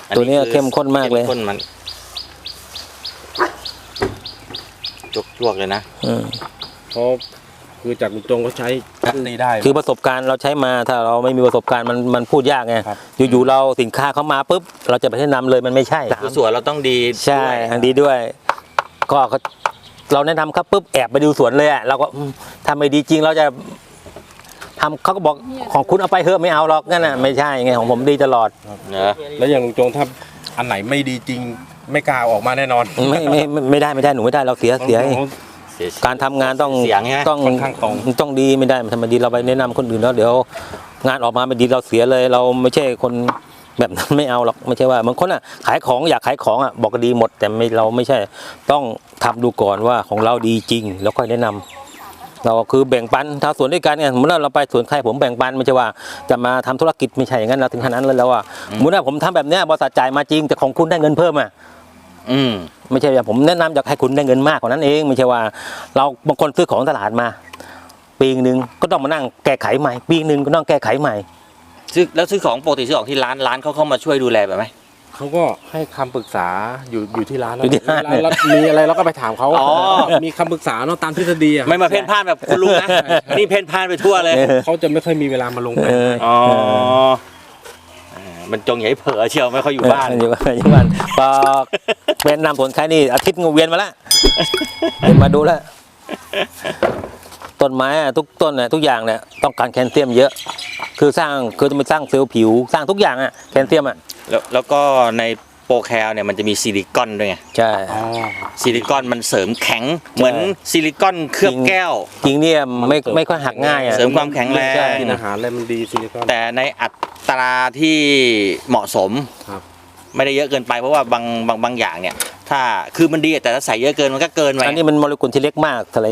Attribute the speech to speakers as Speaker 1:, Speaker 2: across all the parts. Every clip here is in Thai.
Speaker 1: ตัวนี้เข้มข้นมากเลย
Speaker 2: ข้นมันจวกเลยนะ
Speaker 3: เพราะคือจากลุงจงเขาใช้ตีได้
Speaker 1: คือประสบการณ์เราใช้มาถ้าเราไม่มีประสบการณ์มันพูดยากไงอยู่ๆเราสินค้าเขามาปุ๊บเราจะไปแนะนำเลยมันไม่ใช่
Speaker 2: สวนเราต้องดี
Speaker 1: ใช่ดีด้วยก็เราแนะนำครับปุ๊บแอบไปดูสวนเลยอ่ะเราก็ทำไม่ดีจริงเราจะทำเขาก็บอกของคุณเอาไปเถอะไม่เอาหรอกนั่นน่ะไม่ใช่ไงของผมดีตลอด
Speaker 3: แล้วอย่างลุงจงถ้าอันไหนไม่ดีจริงไม่กล้าออกมาแน่นอน
Speaker 1: ไม่ได้หนูไม่ได้เราเสียการทำงานต้องดีไม่ได้ทำไมดีเราไปแนะนำคนอื่นแล้วเดี๋ยวงานออกมาไม่ดีเราเสียเลยเราไม่ใช่คนแบบนั้นไม่เอาหรอกไม่ใช่ว่าบางคนอ่ะขายของอยากขายของอ่ะบอกดีหมดแต่เราไม่ใช่ต้องทำดูก่อนว่าของเราดีจริงแล้วค่อยแนะนำเราคือแบ่งปันถ้าสวนด้วยกันไงเมื่อเราไปสวนใครผมแบ่งปันไม่ใช่ว่าจะมาทำธุรกิจไม่ใช่อย่างนั้นเราถึงขนาดนั้นแล้วว่าเมื่อผมทำแบบเนี้ยบริษัทจ่ายมาจริงแต่ของคุณได้เงินเพิ่มอ่ะไม่ใช่ว่าผมแนะนำอยากให้คุณได้เงินมากกว่านั้นเองไม่ใช่ว่าเราบางคนซื้อของตลาดมาปีนึงก็ต้องมานั่งแก้ไขใหม่ปีนึงก็ต้องแก้ไขใหม่
Speaker 2: ซื้อของปกติซื้อของที่ร้านเขาเข้ามาช่วยดูแลแบบไหม
Speaker 3: เขาก็ให้คำปรึกษาอยู่ที่ร้านแล้วมีอะไรเราก็ไปถามเขามีคำปรึกษาเนาะตามทฤษฎี
Speaker 2: ไม่มาเพ่นพ่านแบบคุณลุงนะนี่เพ่นพ่านไปทั่วเลย
Speaker 3: เขาจะไม่ค่อยมีเวลามาลงไป
Speaker 2: มันจงใหญ่เผลอเชียวไม่ค่อยอยู่บ้าน
Speaker 1: อยู่บ้านพอเป็นนำผลใครนี่อาทิตย์งูเวียนมาแล้วมาดูแล้วต้นไม้ทุกต้นทุกอย่างเนี่ยต้องการแคลเซียมเยอะคือจะไปสร้างเซลล์ผิวสร้างทุกอย่างแคลเซียม
Speaker 2: แล้วก็ในโปรแคลเนี่ยมันจะมีซิลิคอนด้วยไง
Speaker 1: ใช่
Speaker 2: ซิลิคอนมันเสริมแข็งเหมือนซิลิคอนเคลือบแก้ว
Speaker 1: จริงเนี่ยไม่ค่อยหักง่าย
Speaker 2: เสริมความแข็งแรง
Speaker 3: กินอาหารอะไรมันดีซิลิคอน
Speaker 2: แต่ในอัตราที่เหมาะสมไม่ได้เยอะเกินไปเพราะว่าบางอย่างเนี่ยถ้าคือมันดีแต่ถ้าใส่เยอะเกินมันก็เกินไป
Speaker 1: อันนี้มันโมเลกุลที่เล็กมากเท่าไหร่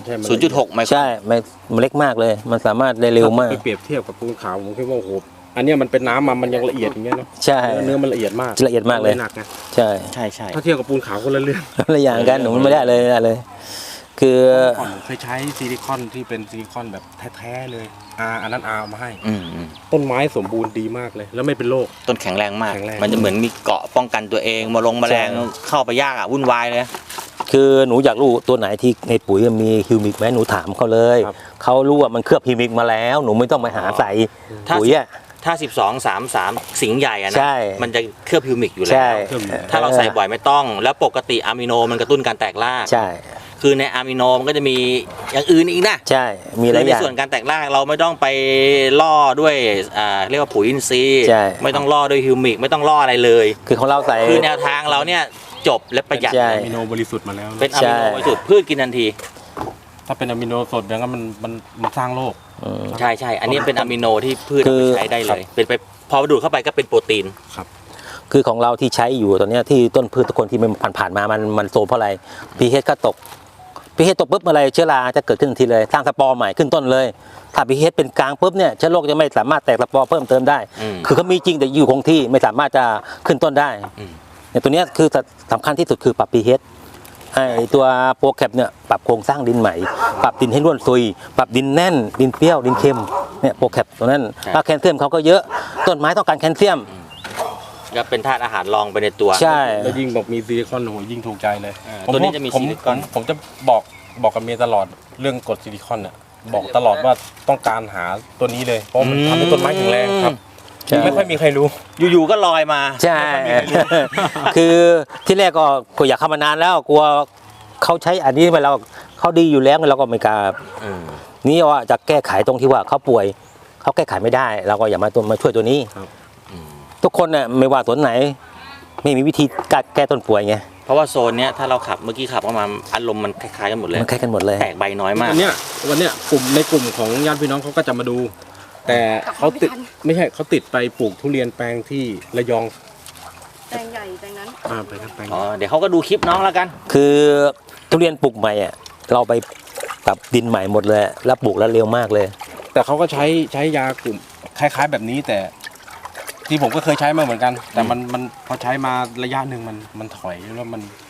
Speaker 2: 0.6 ไมโคร
Speaker 1: ใช่มันเล็กมากเลยมันสามารถได้เร็วมาก
Speaker 3: ไปเปรียบเทียบกับปูนขาวผมคิดว่าโอ้โหอันนี้มันเป็นน้ำมันยังละเอียดอย่างเงี้ยเนาะ
Speaker 1: ใช่
Speaker 3: เนื้อมันละเอียดมาก
Speaker 1: หนัก
Speaker 3: ไง
Speaker 1: ใช่
Speaker 3: ถ้าเทียบกับปูนขาวคนละเรื่อง
Speaker 1: ละอย่างกันหนูไม่ได้เลยคือ
Speaker 3: ก่อนเคยใช้ซิลิคอนที่เป็นซิลิคอนแบบแท้ๆเลยอันนั้นเอามาให้ต้นไม้สมบูรณ์ดีมากเลยแล้วไม่เป็นโรค
Speaker 2: ต้นแข็งแรงมากมันจะเหมือนมีเกาะป้องกันตัวเองแมลงเข้าไปยากวุ่นวายเลย
Speaker 1: คือหนูอยากรู้ตัวไหนที่ในปุ๋ยมีฮิวมิกไหมหนูถามเขาเลยเขารู้ว่ามันเคลือบฮิวมิกมาแล้วหนูไม่ต้องไปหาใส่ปุ๋ย
Speaker 2: ถ้า12-3-3สิงห์ใหญ่นะมันจะเคลือบฮิวมิกอยู่แล้วถ้าเราใส่บ่อยไม่ต้องแล้วปกติอะมิโนมันกระตุ้นการแตกราก
Speaker 1: ใช่
Speaker 2: คือในอะมิโนมันก็จะมีอย่างอื่นอีกนะ
Speaker 1: ใช่มีหลายอย่าง
Speaker 2: ในส่วนการแตกรากเราไม่ต้องไปล่อด้วยเรียกว่าปุ๋ยอินทรีย์ไม่ต้องล่อด้วยฮิวมิกไม่ต้องล่ออะไรเลย
Speaker 1: คือของเราใส่
Speaker 2: คือแนวทางเราเนี่ยจบและประหยัด
Speaker 3: อะมิโนบริสุทธิ์มาแล้ว
Speaker 2: เป็นอะมิโนบริสุทธิ์พืชกินทันที
Speaker 3: ถ้าเป็นอะมิโนสดอย่างนั้นมันสร้างโรค
Speaker 2: ใช่อันนี้เป็นอะมิโนที่พืชใช้ได้เลยเป็นไปพอดูดเข้าไปก็เป็นโปรตีน
Speaker 1: ครับคือของเราที่ใช้อยู่ตอนนี้ที่ต้นพืชทุกคนที่มันผ่านมามันโซมเพราะอะไรpHก็ตกpHตกปุ๊บอะไรเชื้อราจะเกิดขึ้นทีเลยสร้างสปอร์ใหม่ขึ้นต้นเลยถ้าpHเป็นกลางปุ๊บเนี่ยเชื้อโรคจะไม่สามารถแตกสปอร์เพิ่มเติมได้คือเขามีจริงแต่อยู่คงที่ไม่สามารถจะขึ้นต้นได้เนี่ยตัวนี้คือสำคัญที่สุดคือปรับ pH ไอตัวโปรแคปเนี่ยปรับโครงสร้างดินใหม่ปรับดินให้ร่วนซุยปรับดินแน่นดินเปรี้ยวดินเค็มเนี่ยโปรแคปตัวนั้นถ้าแคลเซียมเขาก็เยอะต้นไม้ต้องการแคลเซียม
Speaker 2: ก็เป็นธาตุอาหารรองไปในตัว
Speaker 1: ใช่
Speaker 3: แล้วยิ่งบอกมีซิลิคอนโหยิ่งถูกใจเลย
Speaker 2: ตัวนี้จะมีซิลิคอน
Speaker 3: ผมจะบอกกับเมียตลอดเรื่องกรดซิลิคอนเนี่ยบอกตลอดว่าต้องการหาตัวนี้เลยเพราะมันทำให้ต้นไม้แข็งแรงครับไม่ค่อยมีใครรู้
Speaker 2: อยู่ๆก็ลอยมา
Speaker 1: ใช่คือที่แรกก็อยากเข้ามานานแล้วกลัวเขาใช้อันนี้ไปเราเขาดีอยู่แล้วเราก็ไม่กล้านี่ว่าจะแก้ไขตรงที่ว่าเขาป่วยเขาแก้ไขไม่ได้เราก็อย่ามาช่วยตัวนี้ทุกคนเนี่ยไม่ว่าสวนไหนไม่มีวิธีแก้ต้นป่วยไง
Speaker 2: เพราะว่าโซนเนี้ยถ้าเราขับเมื่อกี้ขับเข้ามาอารมณ์มันคล้ายๆกันหมดเลย
Speaker 1: มันคล้ายกันหมดเลย
Speaker 2: แตกใบน้อยมาก
Speaker 3: วันเนี้ยในกลุ่มของญาติพี่น้องเขาก็จะมาดูแต่เขาติดไม่ใช่เขาติดไปปลูกทุเรียนแปลงที่ระยอง
Speaker 4: แปลงใหญ่แปลงนั้น
Speaker 3: ไปครับแปลง
Speaker 2: เดี๋ยวเขาก็ดูคลิปน้องแล้วกัน
Speaker 1: คือทุเรียนปลูกใหม่เราไปปรับดินใหม่หมดเลยแล้วปลูกแล้วเร็วมากเลย
Speaker 3: แต่เขาก็ใช้ยากลุ่มคล้ายๆแบบนี้แต่ที่ผมก็เคยใช้มาเหมือนกันแต่มันพอใช้มาระยะหนึ่งมันถอยแล้ว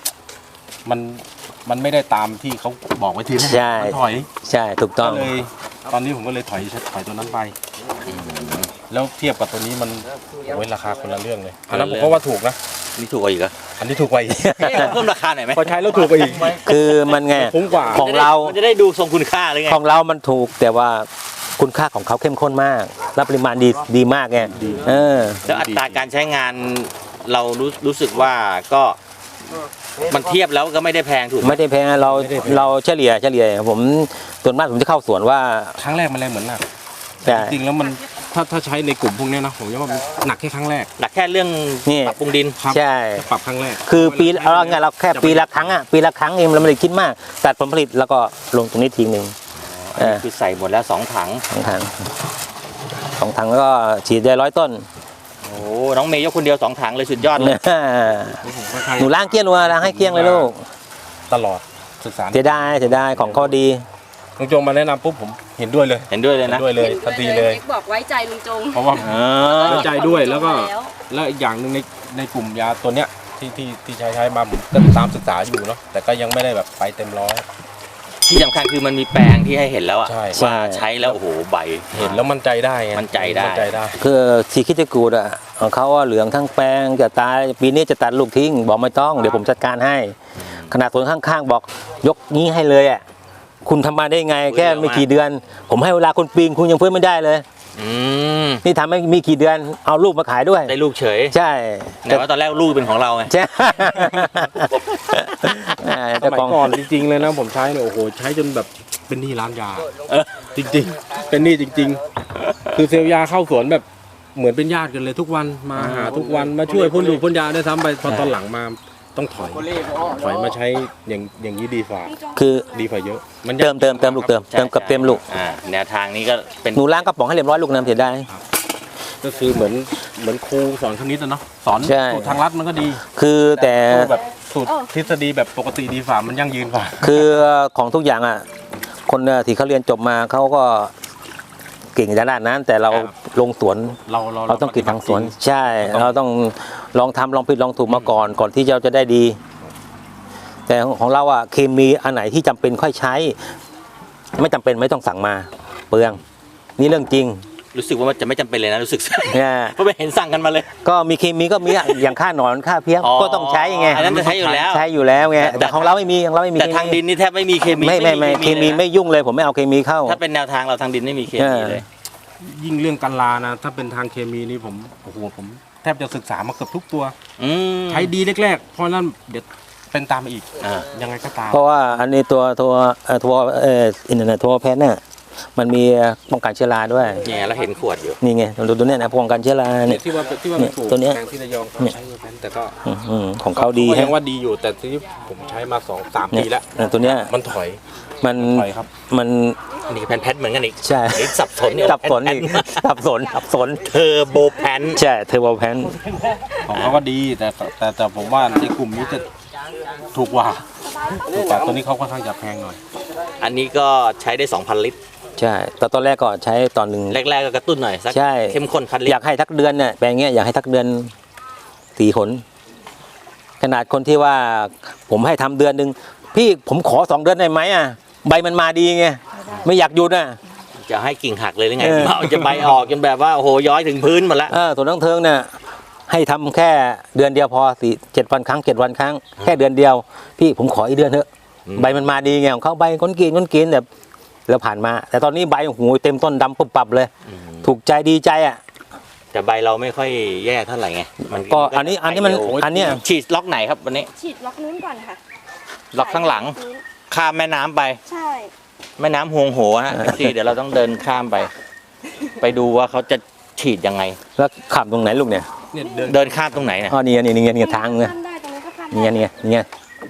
Speaker 3: มันไม่ได้ตามที่เขาบอกไว้ทีแรก
Speaker 1: มัน
Speaker 3: ถอย
Speaker 1: ใช่ถูกต้อง
Speaker 3: เลยตอนนี้ผมก็เลยถอยตัวนั้นไปแล้วเทียบกับตัวนี้มันโอ้ยราคาคนละเรื่องเลยอันนั้นผมก็ว่าถูกนะ
Speaker 2: นี่ถูกกว่าอีกเหรอ
Speaker 3: อันนี้ถูกกว่าอีก
Speaker 2: เพิ่มราคาหน่อยไหม
Speaker 3: พอใช้แล้วถูกกว่าอีก
Speaker 1: คือมันไง
Speaker 3: คุ้มกว่า
Speaker 1: ของเรา
Speaker 2: มันจะได้ดูทรงคุณค่าเลยไง
Speaker 1: ของเรามันถูกแต่ว่าคุณค่าของเขาเข้มข้นมากและปริมาณดีมากไงเออ
Speaker 2: แล้วอัตราการใช้งานเรารู้สึกว่าก็มันเทียบแล้วก็ไม่ได้แพงถูกไหม
Speaker 1: ไม่ได้แพงเราเฉลี่ยผมส่วนมากผมจะเข้าสวนว่า
Speaker 3: ครั้งแรกมันแรงเหมือนหนัก
Speaker 1: แต่
Speaker 3: จริงๆแล้วมันถ้าใช้ในกลุ่มพวกเนี้ยนะผมว่ามันหนักแค่ครั้งแรก
Speaker 2: หนักแค่เรื่อง
Speaker 1: นี่
Speaker 2: ปรับปรุงดิน
Speaker 3: ครับ
Speaker 1: ใช่
Speaker 3: ปรับครั้งแรก
Speaker 1: คือปีเราไงเราแค่ปีละครั้งปีละครั้งเองเราไม่ได้คิดมากตัดผลผลิตแล้วก็ลงตรงนี้ทีนึง
Speaker 2: คือใส่หมดแล้ว2 ถัง
Speaker 1: 2 ถังแล้วก็ฉีดได้100 ต้น
Speaker 2: โอ้น้องเมย์ยกคนเดียว2 ถังเลยสุดยอดเลย
Speaker 1: หนูล้างเกลี้ยงเลยล้างให้เกลี้ยงเลยลูก
Speaker 3: ตลอดศึกษา
Speaker 1: เสียดายของเขาดี
Speaker 3: ลุงจงมาแนะนำปุ๊บผมเห็นด้วยเลย
Speaker 2: เห็นด้วยเลย
Speaker 3: เห็น
Speaker 2: นะ
Speaker 3: ด้วยเลยทันทีเลย
Speaker 4: บอกไว้ใจลุงจง
Speaker 3: เพราะว่า
Speaker 2: อ่า
Speaker 3: ไว้ใจด้วยแล้วก็แล้วอีกอย่างหนึ่งในกลุ่มยาตัวเนี้ยที่ใช้มาผมก็ตามศึกษาอยู่เนาะแต่ก็ยังไม่ได้แบบไปเต็มร้อย
Speaker 2: ที่สำคัญคือมันมีแปลงที่ให้เห็นแล้วอะ
Speaker 3: ใช่
Speaker 2: ว่าใช้แล้วโอ้โหใบ
Speaker 3: เห็นแล้วมั่นใจได้ไง
Speaker 2: มั่นใจได้
Speaker 3: มั่นใจได้
Speaker 1: คือทีคิดจะกูดของเขาเหลืองทั้งแปลงจะตายปีนี้จะตัดลูกทิ้งบอกไม่ต้องเดี๋ยวผมจัดการให้ ขนาดสวนข้างๆบอกยกนี้ให้เลยคุณทำมาได้ไงแค่ไม่กี่เดือน ผมให้เวลาคุณปีนคุณยังเพิ่มไม่ได้เลย
Speaker 2: อืม
Speaker 1: นี่ทำไม่มีกี่เดือนเอาลูกมาขายด้วย
Speaker 2: ได้ลูกเฉย
Speaker 1: ใช่
Speaker 2: แต่ว่าตอนแรกลูกเป็นของเราไง
Speaker 1: ใช่
Speaker 3: ส
Speaker 1: เจ้า
Speaker 3: มัย
Speaker 1: ของ
Speaker 3: ก่อนจริงๆเลยนะผมใช้เนี่ยโอ้โหใช้จนแบบเป็นหนี้ร้านยาจริงๆ เป็นหนี้จริง ๆ คือเซลล์ยาเข้าสวนแบบเหมือนเป็นญาติกันเลยทุกวันมาหาทุกวันมาช่วยพ่นอยู่พ่นยาได้ซ้ำไปพอตอนหลังมาต้องถอยมาใช้อย่างนี้ดีกว่า
Speaker 1: คือ
Speaker 3: ดีกว่าเยอะ มัน
Speaker 1: เติมลูกเติมกับเต็มลูก
Speaker 2: แนวทางนี้ก็เป็น
Speaker 1: หนูล้างกระป๋องให้เรียบร้อยลูกน้ำเสียได้
Speaker 3: ก็คือเหมือนครูสอนคณิตอะเนาะสอน
Speaker 1: ใช่
Speaker 3: สูตรทางลัดมันก็ดี
Speaker 1: คือแต่
Speaker 3: แบบสูตรทฤษฎีแบบปกติดีกว่ามันยั่งยืนกว่า
Speaker 1: คือของทุกอย่างคนที่เขาเรียนจบมาเขาก็เก่งด้านนั้น แต่เราลงสวน เราต้องกินทางสวน ใช่ เราต้องลองทำลองผิดลองถูกมาก่อนที่เราจะได้ดี แต่ของเราเคมีอันไหนที่จำเป็นค่อยใช้ ไม่จำเป็นไม่ต้องสั่งมาเปลืองนี่เรื่องจริง
Speaker 2: รู้สึกว่ามันจะไม่จำเป็นเลยนะรู้สึก
Speaker 1: เนี่ย
Speaker 2: เพราะไม่เห็นสั่งกันมาเลย
Speaker 1: ก็มีเคมีก็มีอย่างค่าหนอนค่าเพี้ย
Speaker 2: อ๋อ
Speaker 1: ก็ต้องใช้ไง
Speaker 2: อันนั้นจะใช้อยู่แล้ว
Speaker 1: ใช้อยู่แล้วไงแต่ของเราไม่มีของเราไม่มี
Speaker 2: แต่ทางดินนี่แทบไม่มีเคมี
Speaker 1: ไม่เคมี
Speaker 2: เลยนะ
Speaker 1: ไม่ยุ่งเลยผมไม่เอาเคมีเข้า
Speaker 2: ถ้าเป็นแนวทางเราทางดินไม่มีเคมีเลย
Speaker 3: ยิ่งเรื่องกันลานะถ้าเป็นทางเคมีนี่ผมโอ้โหผมแทบจะศึกษามาเกือบทุกตัว
Speaker 2: อืม
Speaker 3: ใช้ดีแรกๆเพราะนั้นเดี๋ยวเป็นตามมาอีก
Speaker 2: อ่า
Speaker 3: ยังไงก็ตาม
Speaker 1: เพราะว่าอันนี้ตัวอินเทอร์เน็ตทัวแพทเนี่ยมันมีป้องกันเชื้อราด้วย
Speaker 2: เนี่ยเราเห็นขวดอยู่
Speaker 1: นี่ไงดูตัวเนี้ยนะป้องกันเชื้อราเนี่ย
Speaker 3: ที่ว่าไปปลูก
Speaker 1: ตัวเนี้ย
Speaker 3: แปลงที่ระยองเขาใช้เวอร์แพนแต่ก็
Speaker 1: ของเขาดี
Speaker 3: ก็
Speaker 1: ฮะ
Speaker 3: ยังว่าดีอยู่แต่ที่ผมใช้มา2-3 ปีแล้ว
Speaker 1: ตัวเนี้ย
Speaker 3: มันถอย
Speaker 1: มัน
Speaker 3: ถอยครับ
Speaker 1: มัน
Speaker 2: นี่แพนเหมือนกันอีก
Speaker 1: ใช่
Speaker 2: ไอ้สับสนเนี่ย
Speaker 1: สับสนอีกสับสน
Speaker 2: เทอร์โบแพน
Speaker 1: ใช่เทอร์โบแพน
Speaker 3: ของเขาก็ดีแต่ผมว่าในกลุ่มนี้จะถูกกว่าตัวนี้เขาค่อนข้างจะแพงหน่อย
Speaker 2: อันนี้ก็ใช้ได้ 2,000 ลิตร
Speaker 1: ใช่แต่ตอนแรกก็ใช้ตอนหนึ่ง
Speaker 2: แรกๆก็กระตุ้นหน่อยสัก
Speaker 1: ใช่
Speaker 2: เข้มข้น1,000 ลิ
Speaker 1: อ
Speaker 2: ต
Speaker 1: ยาร กให้ทักเดือนเนี่ยแปลงเงี้ยอยากให้ทักเดือน4 หนขนาดคนที่ว่าผมให้ทำเดือนหนึ่งพี่ผมขอ2 เดือนได้ไหมใบมันมาดีไงไม่อยากหยุด
Speaker 2: จะให้กิ่งหักเลยหรือไง
Speaker 1: เออ
Speaker 2: เอาจะใบออกจนแบบว่าโอ้โหย้อยถึงพื้นหมดแล้ว
Speaker 1: ส่วนน้องเทิงเนี่ยให้ทำแค่เดือนเดียวพอ7 วันครั้ง7 วันครั้งแค่เดือนเดียว พี่ผมขออีกเดือนเถอะใบมันมาดีไงของเขาใบก้นกินแบบแล้วผ่านมา แต่ตอนนี้ใบหูเต็มต้นดำปุ๊บปับเลย ถูกใจดีใจ
Speaker 2: แต่ใบเราไม่ค่อยแย่เท่าไหร่ไงมัน
Speaker 1: ก็อันนี้มันอันเนี้ย
Speaker 2: ฉีดล็อกไหนครับวันนี้
Speaker 4: ฉีดล็อกนู้นก่อนค่ะ
Speaker 2: ล็อกข้างหลัง
Speaker 4: นู้น
Speaker 2: ข้ามแม่น้ำไป
Speaker 4: ใช่
Speaker 2: แม่น้ำฮวงโหฮะเดี๋ยวเราต้องเดินข้ามไป ไปดูว่าเขาจะฉีดยังไง
Speaker 1: แล้วขับตรงไหนลูกเนี่ย
Speaker 3: เนี่ย
Speaker 2: เดินข้ามตรงไหนเนี่ย
Speaker 1: อ๋อนี่ทางเนี่ย
Speaker 4: ข้ามได้ตรงนี้ก็ข้ามได้
Speaker 1: นี่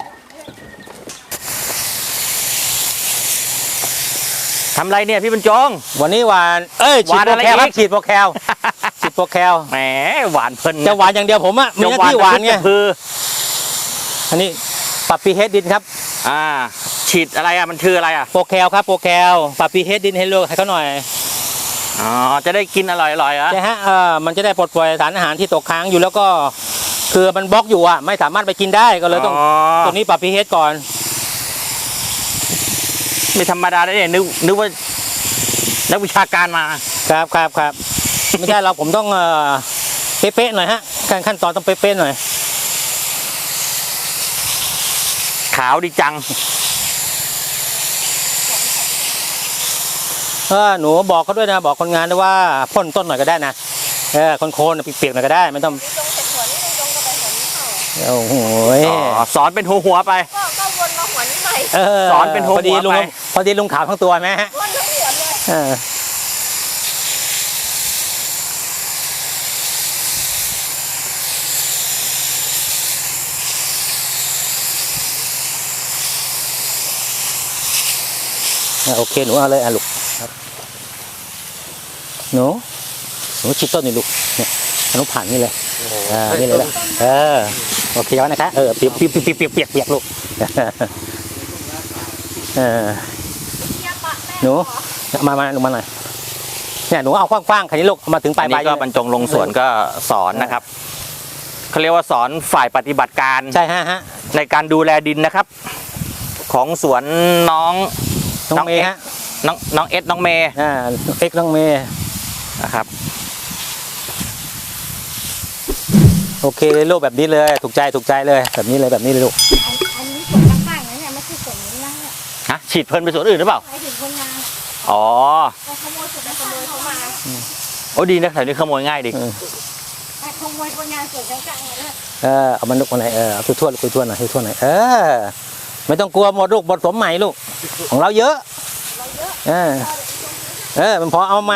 Speaker 2: ทำไรเนี่ยพี่บรรจง
Speaker 1: วันนี้หวานฉีด
Speaker 2: หวาน
Speaker 1: โป
Speaker 2: อะ
Speaker 1: ร
Speaker 2: ไร
Speaker 1: แคลครั
Speaker 2: อี
Speaker 1: บ
Speaker 2: ก
Speaker 1: ฉีดโปรแคลฉีดโปรแคล
Speaker 2: แหมหวานเพลิน
Speaker 1: จะหวานอย่างเดียวผมมีหน้าที่หวานไง
Speaker 2: คือ
Speaker 1: อันนี้ปรับปีเฮดดินครับ
Speaker 2: ฉีดอะไรมันคืออะไร
Speaker 1: โปรแคลครับโปรแคลปรับปีเฮดดินให้ลูกให้เขาหน่อย
Speaker 2: อ๋อจะได้กินอร่อยๆเหรอ
Speaker 1: ใช่ฮะมันจะได้ปลดปล่อยสารอาหารที่ตกค้างอยู่แล้วก็คือมันบล็อกอยู่ไม่สามารถไปกินได้ก็เลยต้องตรงนี้ปรับพีเฮดก่อน
Speaker 2: ไม่ธรรมดาได้เนี่ยนึกว่านักวิชาการมา
Speaker 1: ครับไม่ใช่เราผมต้องเป๊ะๆหน่อยฮะการขั้นตอนต้องเป๊ะๆหน่อย
Speaker 2: ขาวดีจัง
Speaker 1: หนูบอกเขาด้วยนะบอกคนงานด้วยว่าพ่นต้นหน่อยก็ได้นะโคนๆเปียกๆหน่อยก็ได้ไม่ต้อง
Speaker 4: ลุงจงเสร็จหัวนี่ลุงจงก็ไปหัวนี้ต่อ
Speaker 1: โอ้โห
Speaker 2: สอนเป็นหัวไป
Speaker 4: ก็วนมาหัวนี้ใหม่
Speaker 2: สอนเป็นหัว
Speaker 1: พอดีลุง
Speaker 2: ไป
Speaker 1: พอดีลุงขาวทั้งตัวไหมฮะ
Speaker 4: วนทั้งหัวเลย
Speaker 1: โอเคหนูเอาเลยลูกหนูชิดต้นนี่ลูกเนี่ยหนูผ่านนี่เลยนี่เลยโอเคแล้วนะคะเปียกลูกหนูมาหน่อยเนี่ยหนูเอากว้างๆคันนี้ลูกมาถึงปลาย
Speaker 2: อันนี้ก็บรรจงลงสวนก็สอนนะครับเขาเรียกว่าสอนฝ่ายปฏิบัติการ
Speaker 1: ใช่ฮะ
Speaker 2: ในการดูแลดินนะครับ ของสวนน้อง
Speaker 1: น้องเมย์ฮะ
Speaker 2: น้องเอสน้องเมย์
Speaker 1: เอ็กน้องเมย์
Speaker 2: นะครับ
Speaker 1: โอเคเลยลูกแบบนี้เลยถูกใจเลยแบบนี้เลยลูก
Speaker 4: อันนี้ส่วนข้างๆนะเนี่ยไม่ใช่ส่วนนี้นะเนี่ย
Speaker 2: ฮะฉีดเพลินไปสวนอื่นหรือเปล่า
Speaker 4: ไปถึงคนงาน
Speaker 2: อ๋อ
Speaker 4: ไปขโมยส่วนไปขโมยเขามา
Speaker 2: โอ้ดีนะแถวนี้ขโมยง่ายดิ
Speaker 4: ไปขโมยคนงานส่วนกลางๆเลย
Speaker 1: เอามันลูกมาไหนเอาทั่วหน่อยไม่ต้องกลัวหมดลูกหมดสมใหม่ลูกของเราเยอะมันพอเอาไหม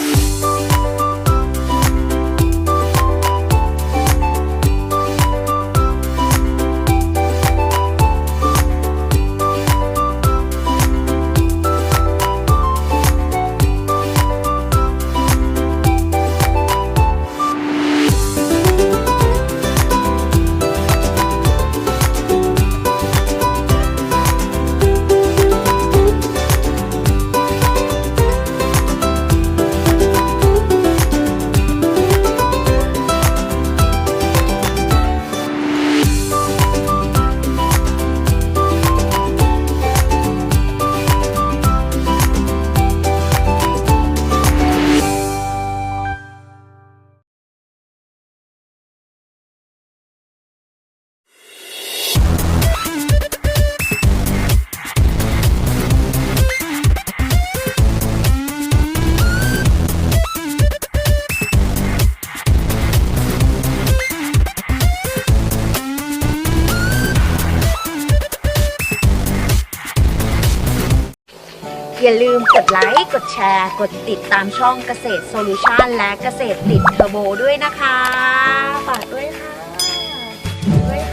Speaker 5: อย่าลืมกดไลค์ กดแชร์ กดติดตามช่องเกษตรโซลูชันและเกษตรติดเทอร์โบด้วยนะคะ ฝากด้วยค่ะ